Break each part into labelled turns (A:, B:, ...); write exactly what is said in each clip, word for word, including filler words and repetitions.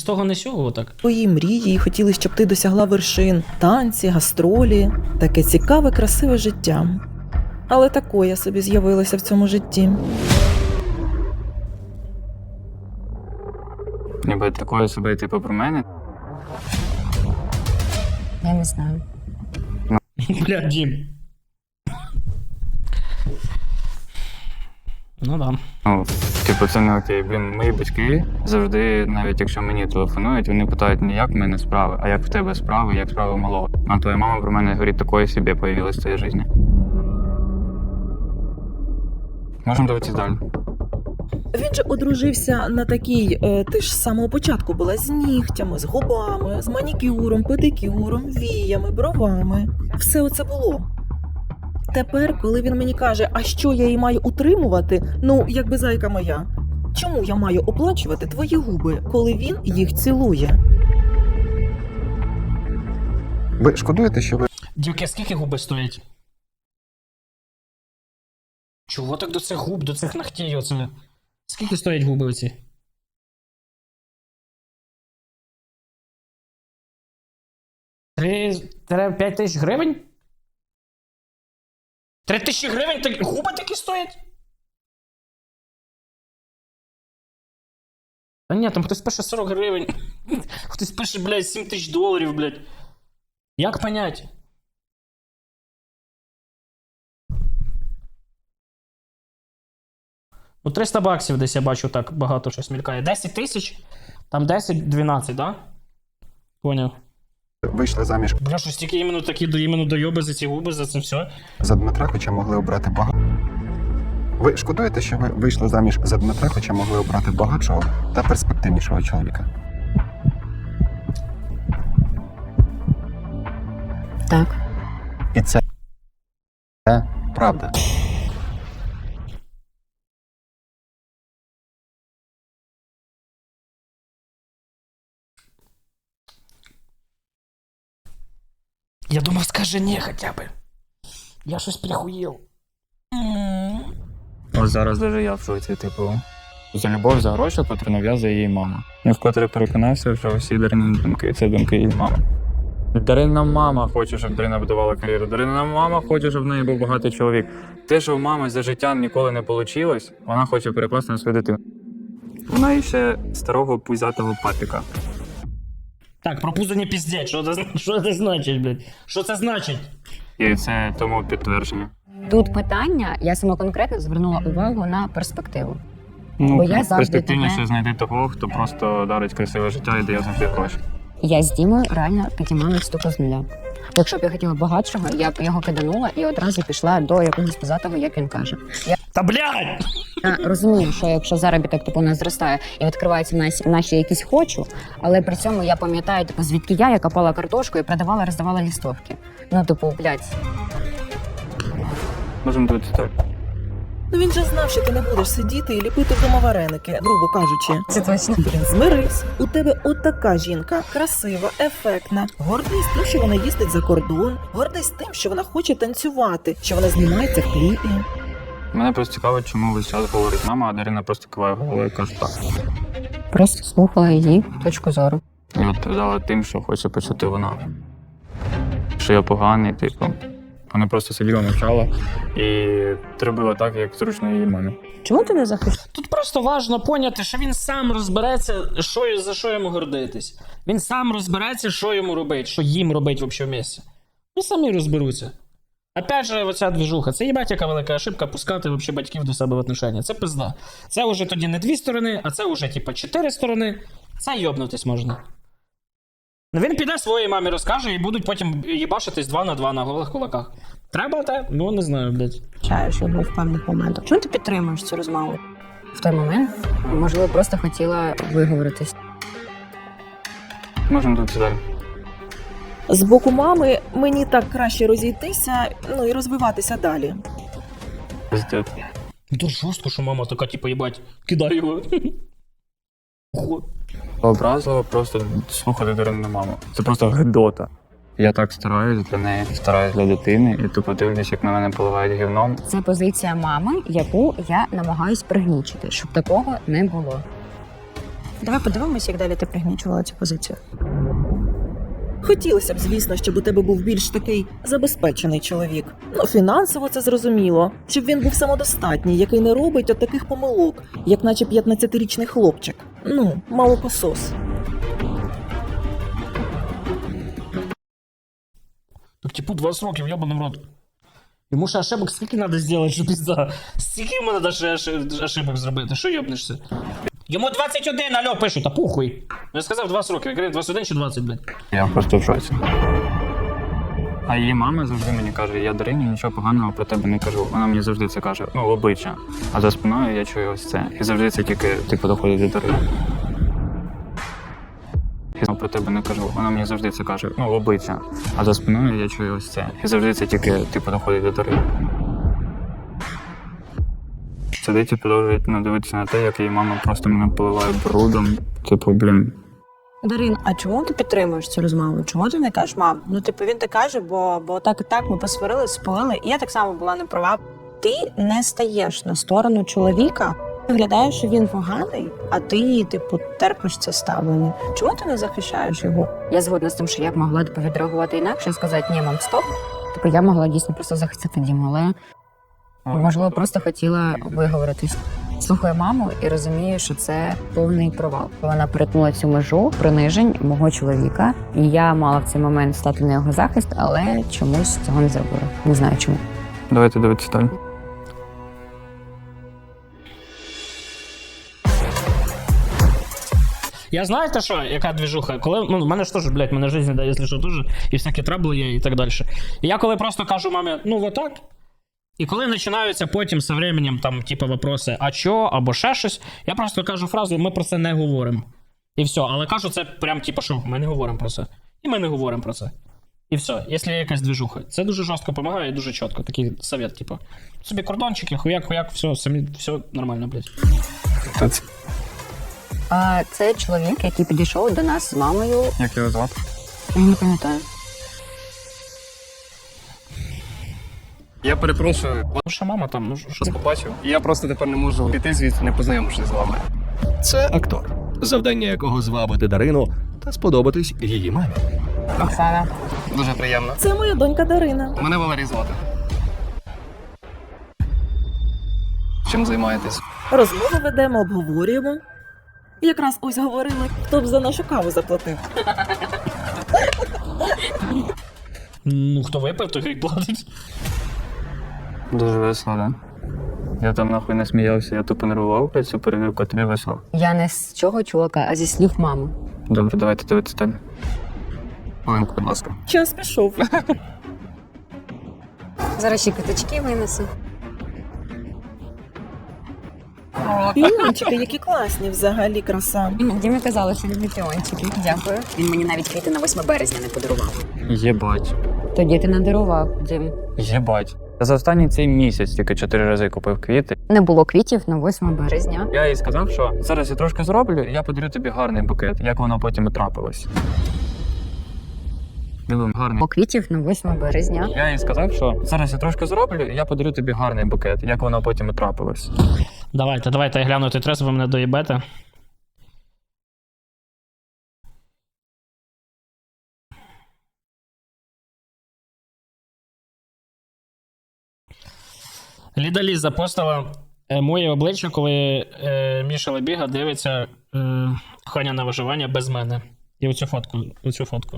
A: того не сього так.
B: Твої мрії і хотіли, щоб ти досягла вершин, танці, гастролі, таке цікаве, красиве життя. Але такое собі з'явилося в цьому житті.
C: Ніби такою собі, типу, про мене.
D: Я не знаю.
A: Бля, Дім. Ну да.
C: Ну, типу, це не окей. Блін, мої батьки завжди, навіть якщо мені телефонують, вони питають не як в мене справи, а як в тебе справи, як справи малого. А твоя мама про мене говорить, такої собі появилась в твоїй житті. Можемо дивитися далі.
B: Він же одружився на такій, е, ти ж з самого початку була з нігтями, з губами, з манікюром, педикюром, віями, бровами. Все оце було. Тепер, коли він мені каже, а що я її маю утримувати, ну, якби зайка моя, чому я маю оплачувати твої губи, коли він їх цілує?
E: Ви шкодуєте, що ви
A: Дівки, скільки губи стоять? Чого так до цих губ, до цих ногтей оце? Скільки стоять губи оці? Три-п'ять тисяч гривень? Три тисячі гривень? Так губи такі стоять? Та ні, там хтось пише сорок гривень. Хтось пише, блядь, сім тисяч доларів, блядь. Як понять? Ну, триста баксів десь я бачу, так багато щось мількає. десять тисяч? Там десять-дванадцять, да? Поняв.
E: вийшли заміж
A: Бля, що стільки іменно такі до іменно дойоби за ці губи, за це все?
E: за Дмитра, хоча могли обрати багато. Ви шкодуєте, що ви вийшли заміж за Дмитра, хоча могли обрати багатшого та перспективнішого чоловіка?
D: Так.
E: І це це правда.
A: Я думав, скажи ні хоча б. Я щось прихуїв.
C: Ось зараз даже я в шоці, типу. За любов, за гроші, котру нав'язує її мама. Я вкотре переконався, що всі Дарини думки – це думки її мами. Дарина мама хоче, щоб Дарина будувала кар'єру. Дарина мама хоче, щоб в неї був багатий чоловік. Те, що в мами за життя ніколи не вийшло, вона хоче перекласти на свою дитину. Вона і ще старого пузатого папіка.
A: Так, про пузо не піздять. Що це, що це значить, блядь? Що це значить?
C: І це тому підтвердження.
D: Тут питання, я саме конкретно звернула увагу на перспективу.
C: Ну,
D: Бо я завжди
C: перспективніше
D: тебе-
C: знайти того, хто просто дарить красиве життя і дає завжди гроші.
D: Я з Дімою реально підіймала стуку з нуля. Якщо б я хотіла багатшого, я б його киданула і одразу пішла до якогось позатого, як він каже. Я
A: Та блядь!
D: Я розумію, що якщо заробіток типу не зростає і відкриваються наші, наші якісь хочу, але при цьому я пам'ятаю, типу, звідки я, я копала картошку і продавала, роздавала лістовки. Ну, типу, блядь.
C: Можемо дивитися так.
B: Ну він же знав, що ти не будеш сидіти і ліпити вдома вареники, грубо кажучи.
D: Це точно.
B: Блін, змирись. У тебе отака жінка, красива, ефектна. Гордість тим, що вона їздить за кордон. Гордість тим, що вона хоче танцювати, що вона знімається в кліпі.
C: Мене просто цікавить, чому весь час говорить мама, а Дарина просто киває головою і каже так.
D: Просто слухала її точку зору.
C: І відповідала тим, що хоче почути вона. Що я поганий, типу. Вона просто сиділа, мовчала і робила так, як зручно її мамі.
D: Чому ти не захищаєш?
A: Тут просто важливо поняти, що він сам розбереться, що, за що йому гордитись. Він сам розбереться, що йому робить, що їм робить взагалі в місці. Ну самі розберуться. Опять же, оця двіжуха. Це їбать яка велика ошибка пускати вообще батьків до себе в отношення. Це пизда. Це вже тоді не дві сторони, а це вже типа чотири сторони. Це йобнутись можна. Ну він піде своїй мамі розкаже і будуть потім їбашитись два на два на голих кулаках. Треба те? Ну не знаю, блядь.
D: Чаєш його в певних моментах. Чому ти підтримуєш цю розмову? В той момент, можливо, просто хотіла виговоритись.
C: Можемо дивитися далі.
B: З боку мами мені так краще розійтися, ну і розвиватися далі.
C: Пиздець.
A: Дуже жорстко, що мама така, типу, їбать, кидай його. Хо.
C: Образливо просто слухати Дарину маму. Це просто гидота. Я так стараюсь для неї, стараюсь для дитини, і тупо дивлюсь, як на мене поливають гівном.
D: Це позиція мами, яку я намагаюсь пригнічити, щоб такого не було. Давай подивимося, як далі ти пригнічувала цю позицію.
B: Хотілося б, звісно, щоб у тебе був більш такий забезпечений чоловік. Ну, фінансово це зрозуміло. Щоб він був самодостатній, який не робить от таких помилок, як наче п'ятнадцятирічний хлопчик. Ну, молокосос.
A: Так, типу, двадцять років, ябаний в рот. Йому ще ошибок скільки треба зробити, що пізда? Стільки йому треба ще оши- ошибок зробити? Що йобнешся? Йому двадцять один, алло, пишуть, та похуй. Я сказав двадцять років, я кажу двадцять один чи двадцять, блядь.
C: Я просто в шоці. А її мама завжди мені каже, я Дарині нічого поганого про тебе не кажу. Вона мені завжди це каже, ну, в обличчя. А за спиною я чую ось це. І завжди це тільки, типу, доходить до Дарини. Я про тебе не кажу. Вона мені завжди це каже, ну, в обличчя. А за спиною я чую ось це. І завжди це тільки, типу, доходить до Дарини. Сидить і продовжує ну, дивитися на те, як її мама просто мене поливає брудом. Типу, блін.
F: Дарин, а чому ти підтримуєш цю розмову? Чому ти не кажеш, мам? Ну, типу, він так каже, бо, бо так і так ми посварили, спалили, і я так само була не права. Ти не стаєш на сторону чоловіка, виглядає, що він поганий, а ти, типу, терпиш це ставлення. Чому ти не захищаєш його?
D: Я згодна з тим, що я б могла типу, відреагувати інакше, сказати, ні, мам, стоп. Типу, я могла дійсно просто захистити Діму, але можливо просто хотіла виговоритись. Слухаю маму і розумію, що це повний провал. Вона перетнула цю межу принижень мого чоловіка, і я мала в цей момент стати на його захист, але чомусь цього не зробила. Не знаю чому.
C: Давайте дивитися далі.
A: Я знаєте що, яка двіжуха? Коли, ну, в мене ж теж, блядь, мене життя дає, якщо що, теж, і всякі трабли є, і так далі. І я коли просто кажу мамі, ну, вот так, і коли починаються потім з временем, там, типу, вопроси, а чо, або ще щось, я просто кажу фразу, ми про це не говоримо. І все, але кажу це прям, типу, що ми не говоримо про це. І ми не говоримо про це. І все, якщо є якась двіжуха. Це дуже жорстко допомагає і дуже чітко. Такий совет, типу. Собі кордончики, хуяк, хуяк, все, самі, все нормально, блядь.
C: Хто це?
D: А це чоловік, який підійшов до нас з мамою.
C: Як його звати?
D: Я не пам'ятаю.
G: Я перепрошую,
A: Ну, що мама там, ну, що
G: вас побачив. І я просто тепер не можу піти звідси, не познайомившись з вами.
H: Це актор, завдання якого звабити Дарину та сподобатись її мамі.
D: Оксана.
G: Дуже приємно.
B: Це моя донька Дарина.
G: Мене Валерій звати. Чим займаєтесь?
B: Розмову ведемо, обговорюємо. Якраз ось говорили, хто б за нашу каву заплатив.
A: Ну, хто випив, той хай платить.
C: Дуже весело, да? Я там нахуй не сміявся, я тупо нервував про цю перевірку, а тобі весело.
D: Я не з цього чувака, а зі слів мами.
C: Добре, давайте дивитися далі.
G: Хвилинку, будь ласка.
B: Час пішов.
D: Зараз ще квиточки винесу.
B: Піончики, які класні взагалі, краса.
D: Дімі казала, що любить піончики. Дякую. Він мені навіть квіти на восьме березня не подарував.
C: Єбать.
D: Тоді ти надарував, Дім.
C: Єбать. Я за останній цей місяць тільки чотири рази купив квіти.
D: Не було квітів на восьме березня.
C: Я їй сказав, що зараз я трошки зроблю, і я подарю тобі гарний букет, як воно потім і трапилось. Диви, гарний.
D: Було квітів на восьме березня.
C: Я їй сказав, що зараз я трошки зроблю, і я подарю тобі гарний букет, як воно потім і трапилось.
A: Давайте, давайте, я гляну той трес, ви мене доїбете. Ліда Ліз запостила е, моє обличчя, коли е, Міша Лебіга дивиться е, Ханя на виживання без мене. І оцю фотку. Оцю фотку.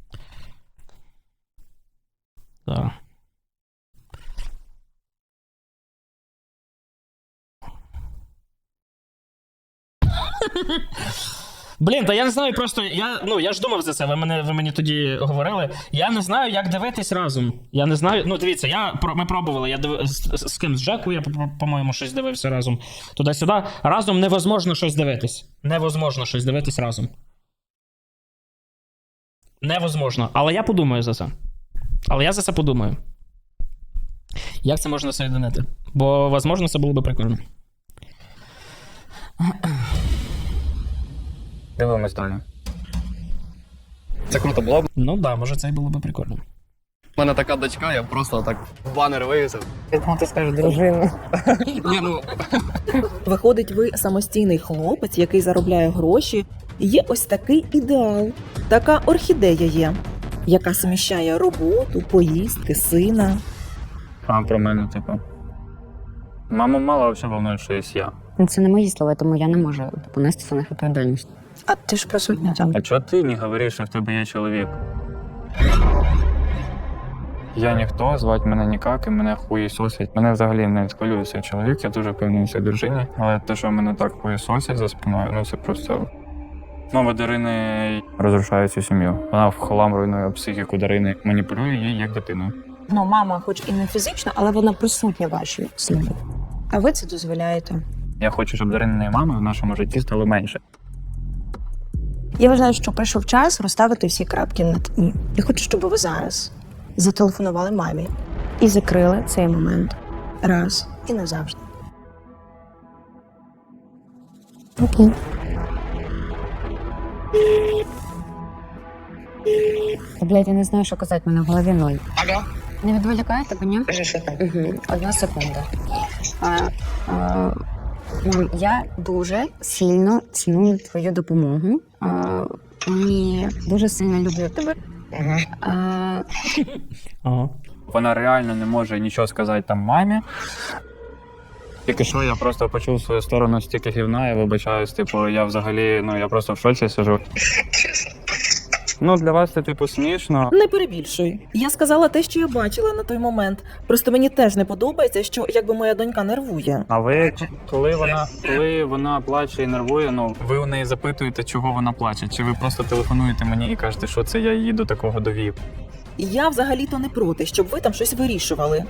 A: Так. Блін, та я не знаю, просто я, ну, я ж думав за це, ви, мене, ви мені тоді говорили. Я не знаю, як дивитись разом. Я не знаю, ну дивіться, я, про- ми пробували, я див... з, з, з ким, з Джеку, я, по- по-моєму, щось дивився разом. Туди-сюди. Разом невозможно щось дивитись. Невозможно щось дивитись разом. Невозможно. Але я подумаю за це. Але я за це подумаю. Як це можна соєдинити? Бо, можливо, це було б прикольно.
C: Дивимось далі.
G: Це круто було б.
A: Ну да, може це і було б прикольно.
G: У мене така дочка, я просто так банер вивісив.
D: Ти скажеш дружину.
G: Ні, ну,
B: Виходить, ви самостійний хлопець, який заробляє гроші. Є ось такий ідеал, така орхідея є, яка суміщає роботу, поїздки, сина.
C: А про мене, типу. Маму мало взагалі волнує, що є я.
D: Це не мої слова, тому я не можу понести за них відповідальність.
F: А ти ж присутня там.
C: А чого ти не говориш, що в тебе є чоловік? Я ніхто, звати мене ніяк, і мене хуєсосять. Мене взагалі не хвилюється чоловік, я дуже певний в цій дружині. Але те, що мене так хуєсосять за спиною, ну це просто... Мама Дарини розрушає цю сім'ю. Вона в хлам руйнує психіку Дарини, маніпулює її як дитину.
F: Ну, мама, хоч і не фізично, але вона присутня в вашій сім'ї. А ви це дозволяєте?
C: Я хочу, щоб Дарининої мами в нашому житті стало менше.
F: Я вважаю, що прийшов час розставити всі крапки над «і». Я хочу, щоб ви зараз зателефонували мамі і закрили цей момент раз і назавжди.
D: Окей. Блять, я не знаю, що казати, в мене в голові ноль.
F: Алло?
D: Не відволікає тебе, ні? Угу. Одна секунда. А, а, мам, я дуже сильно ціную твою допомогу. А, і дуже сильно люблю тебе. А,
A: Ага.
C: Вона реально не може нічого сказати там мамі. Тільки що я просто почув свою сторону стільки гівна, я вибачаюсь, типу, я взагалі, ну я просто в шоці сижу. Ну, для вас це типу смішно.
B: Не перебільшуй. Я сказала те, що я бачила на той момент. Просто мені теж не подобається, що якби моя донька нервує.
C: А ви, коли вона, коли вона плаче і нервує, ну ви у неї запитуєте, чого вона плаче? Чи ви просто телефонуєте мені і кажете, що це я її до такого довів?
B: Я взагалі-то не проти, щоб ви там щось вирішували.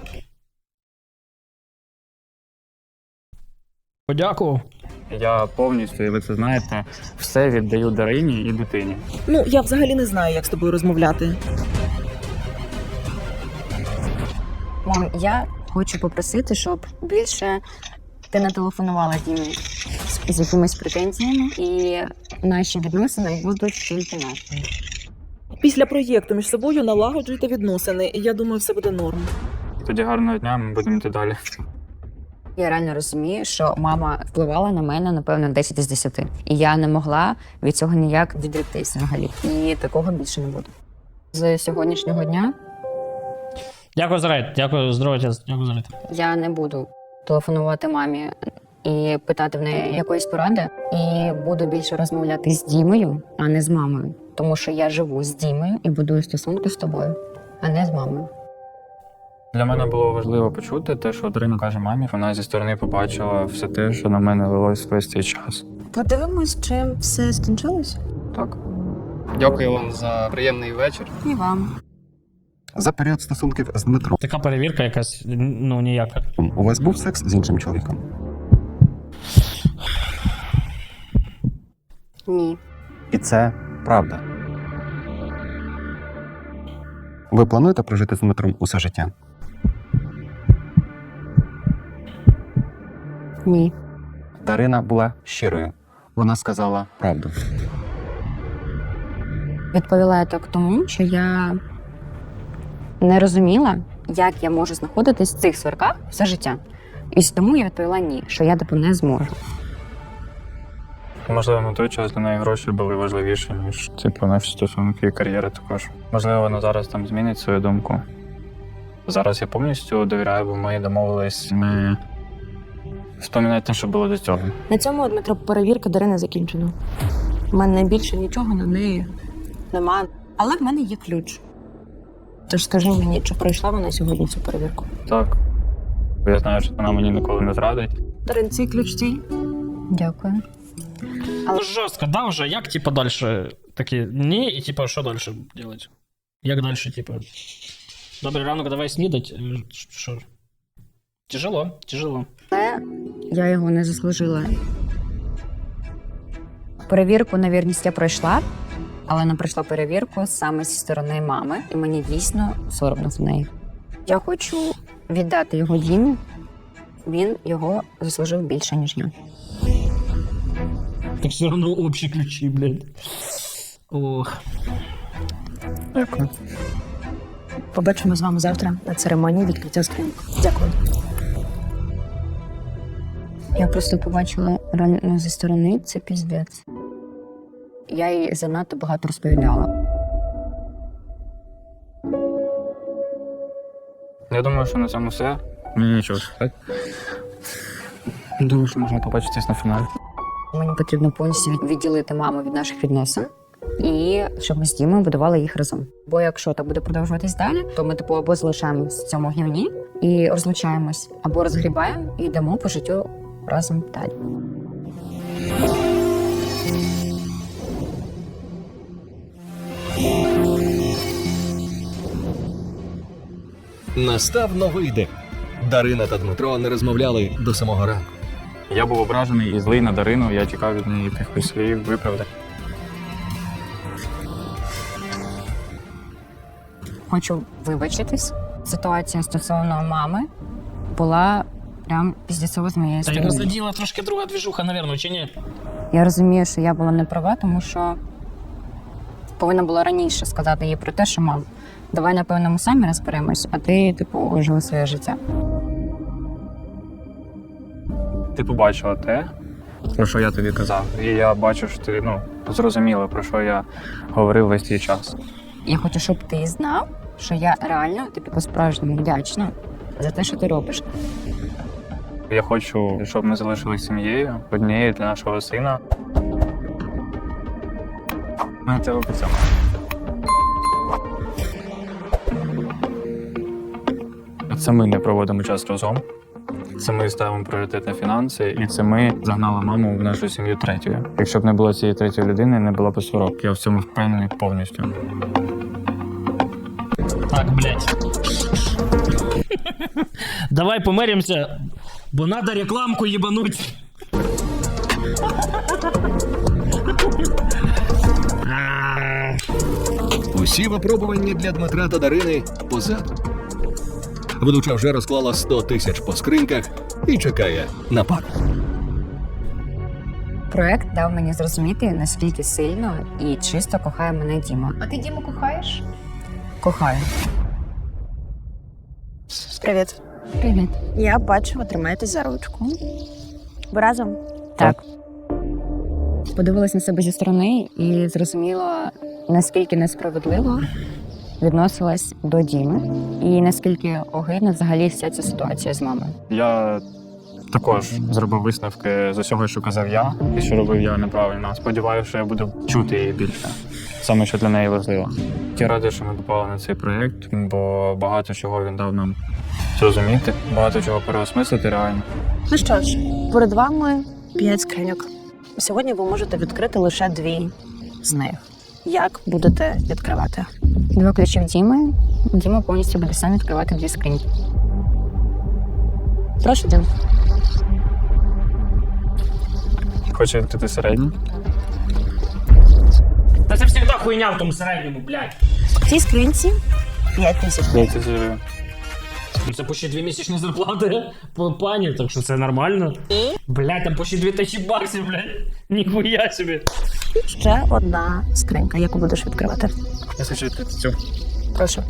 A: Подякував.
C: Я повністю, і ви це знаєте, все віддаю Дарині і дитині.
B: Ну, я взагалі не знаю, як з тобою розмовляти.
D: мам, я хочу попросити, щоб більше ти не телефонувала Дімі з, з якимись претензіями, і наші відносини будуть тільки нашими.
B: Після проєкту між собою налагоджуйте відносини, і я думаю, все буде норм.
C: Тоді гарного дня, ми будемо йти далі.
D: Я реально розумію, що мама впливала на мене, напевно, десять із десяти. І я не могла від цього ніяк відректися взагалі. І такого більше не буде. З сьогоднішнього дня
A: Дякую за рейд, дякую, здоров'я, дякую за рейд.
D: я не буду телефонувати мамі і питати в неї якоїсь поради. І буду більше розмовляти з Дімою, а не з мамою. Тому що я живу з Дімою і будую стосунки з тобою, а не з мамою.
C: Для мене було важливо почути те, що Дарина каже мамі. Вона зі сторони побачила все те, що на мене лилось весь цей час.
F: Подивимось, чим все скінчилось.
C: Так.
G: дякую вам за приємний вечір.
D: І вам.
E: За період стосунків з Дмитром
A: Така перевірка якась, ну ніяка.
E: у вас був секс з іншим чоловіком?
D: Ні.
E: І це правда. Ви плануєте прожити з Дмитром усе життя?
D: Ні.
E: Дарина була щирою. Вона сказала правду.
D: Відповіла я так тому, що я не розуміла, як я можу знаходитись в цих сварках все життя. І тому я відповіла ні, що я типу не зможу.
C: Можливо, на той час для неї гроші були важливіші, ніж типу наші стосунки і кар'єра також. Можливо, вона зараз там змінить свою думку. Зараз я повністю довіряю, бо ми домовились не вспоминати те, що було до цього.
F: На цьому, Дмитро, перевірка Дарини закінчена. У мене більше нічого на неї нема. Але в мене є ключ. Тож скажи мені, чи пройшла вона сьогодні цю перевірку?
C: Так. Бо я знаю, що вона мені ніколи не зрадить.
F: Дарин, цей ключ твій?
D: Дякую.
A: Ну жорстко, да, вже, як, типа, дальше такі, ні, і, типа, що дальше делать? Як дальше, типа, добрий ранок, давай снідать, Е, що? Тяжело, тяжело.
D: Але я його не заслужила. Перевірку на вірність я пройшла, але не пройшла перевірку саме зі сторони мами, і мені дійсно соромно з неї. Я хочу віддати його Дімі, він його заслужив більше, ніж я.
A: Так все одно общі ключі, блядь. Ох.
C: Дякую.
F: Побачимо з вами завтра на церемонії відкриття скриньок. Дякую.
D: Я просто побачила реально зі сторони, це піздець. Я їй занадто багато розповідала.
C: Я думаю, що на цьому все. Мені нічого сказати. Думаю, що можна побачитись на фіналі.
D: Мені потрібно повністю від- відділити маму від наших відносин. І щоб ми з Дімою будували їх разом. Бо якщо так буде продовжуватись далі, то ми типу або залишаємось в цьому гнівні і розлучаємось, або розгрібаємо і йдемо по життю разом далі.
H: Настав новий день. Дарина та Дмитро не розмовляли до самого ранку.
C: Я був ображений і злий на Дарину, я чекав від неї якихось слів, виправдань.
D: Хочу вибачитись. Ситуація стосовно мами була прям піздецова з моєї
A: Та його
D: сторони.
A: заділа трошки друга двіжуха, напевно, чи ні?
D: Я розумію, що я була не права, тому що повинна була раніше сказати їй про те, що мам, давай, напевно, ми самі розберемось, а ти, типу, живи своє життя.
C: Ти побачила те, про що я тобі казав. І я бачу, що ти ну, зрозуміла, про що я говорив весь цей час.
D: Я хочу, щоб ти знав, що я реально тобі по-справжньому вдячна за те, що ти робиш.
C: Я хочу, щоб ми залишилися сім'єю, однією для нашого сина. Ми тебе обіцяємо. Це ми не проводимо час разом. Це ми ставимо пріоритет на фінанси, і це ми загнали маму в нашу сім'ю третьою. Якщо б не було цієї третьої людини, не було б сварок. Я в цьому впевнений повністю.
A: Так, блядь. Давай помиримося, бо надо рекламку їбануть.
H: Усі випробування для Дмитра та Дарини позаду. Ведуча вже розклала сто тисяч по скриньках і чекає на пару.
D: Проект дав мені зрозуміти, наскільки сильно і чисто кохає мене Діма. А ти Діму кохаєш? Кохаю.
F: Привіт.
D: Привіт.
F: Я бачу, ви тримаєтесь за ручку. Ви разом?
D: Так. Подивилась на себе зі сторони і зрозуміла, наскільки несправедливо відносилась до Діми. І наскільки огидна взагалі вся ця ситуація з мамою.
C: Я також зробив висновки з усього, що казав я, і що робив я неправильно. Сподіваюся, що я буду чути її більше. Саме, що для неї важливо. Я радий, що ми попали на цей проєкт, бо багато чого він дав нам зрозуміти, багато чого переосмислити реально.
F: Ну що ж, перед вами п'ять скриньок. Сьогодні ви можете відкрити лише дві з них. Як будете відкривати?
D: Два ключі в Діми. Діма повністю буде сам відкривати дві скриньки.
F: Прошу, Дім.
C: Хочу відкрити середній.
A: Та це завжди хуйня в тому середньому, блядь.
F: В цій скринці п'ять тисяч.
C: Здається, зробив.
A: Ну, це почти дві місячні зарплати по пані, так що це нормально. Блядь, там почти дві тисячі баксів, блядь. Ніхуя собі.
F: Ще одна скринька, яку будеш відкривати.
C: Я хочу відкрити цю.
F: Прошу.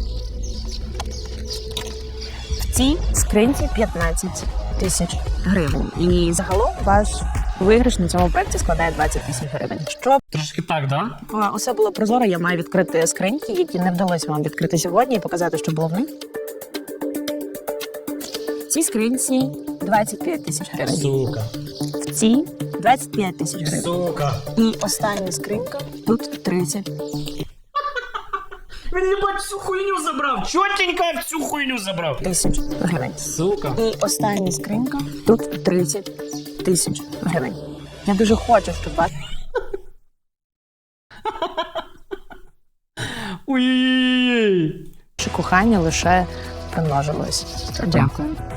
F: В цій скринці п'ятнадцять тисяч гривень. І загалом ваш виграш на цьому проєкті складає двадцять тисяч гривень. Щоб
A: Трошки так, да?
F: е, усе було прозоро, я маю відкрити скриньки, які не вдалося вам відкрити сьогодні, і показати, що було в них. В цій скринці двадцять п'ять тисяч гривень.
A: Сука.
F: В цій двадцять п'ять тисяч гривень.
A: Сука.
F: І остання скринька тут тридцять.
A: Він їбать всю хуйню забрав. Чотенько всю хуйню забрав.
F: Тисяч гривень.
A: Сука.
F: І остання скринька тут тридцять тисяч гривень. Я дуже хочу, щоб ваше
A: Ой-ой-ой.
F: кохання лише примножилось.
D: Дякую.